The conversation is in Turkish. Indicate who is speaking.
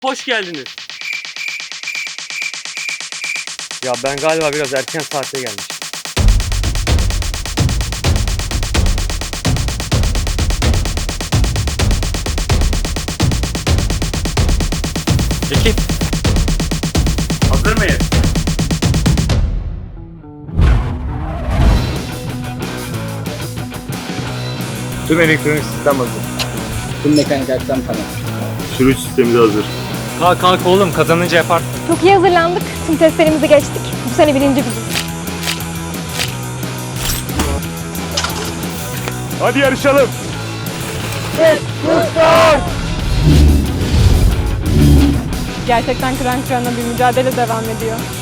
Speaker 1: Hoş geldiniz.
Speaker 2: Ya ben galiba biraz erken saatte gelmişim.
Speaker 1: Ekip. Hazır mıyız?
Speaker 2: Tüm elektronik sistem hazır.
Speaker 3: Tüm mekanik aksam tamam.
Speaker 4: Sürüş sistemi de hazır.
Speaker 2: Kalk oğlum, kazanınca yaparsın.
Speaker 5: Çok iyi hazırlandık. Tüm testlerimizi geçtik. Bu sene birinci biziz.
Speaker 4: Hadi yarışalım.
Speaker 5: Gerçekten kıran kırana bir mücadele devam ediyor.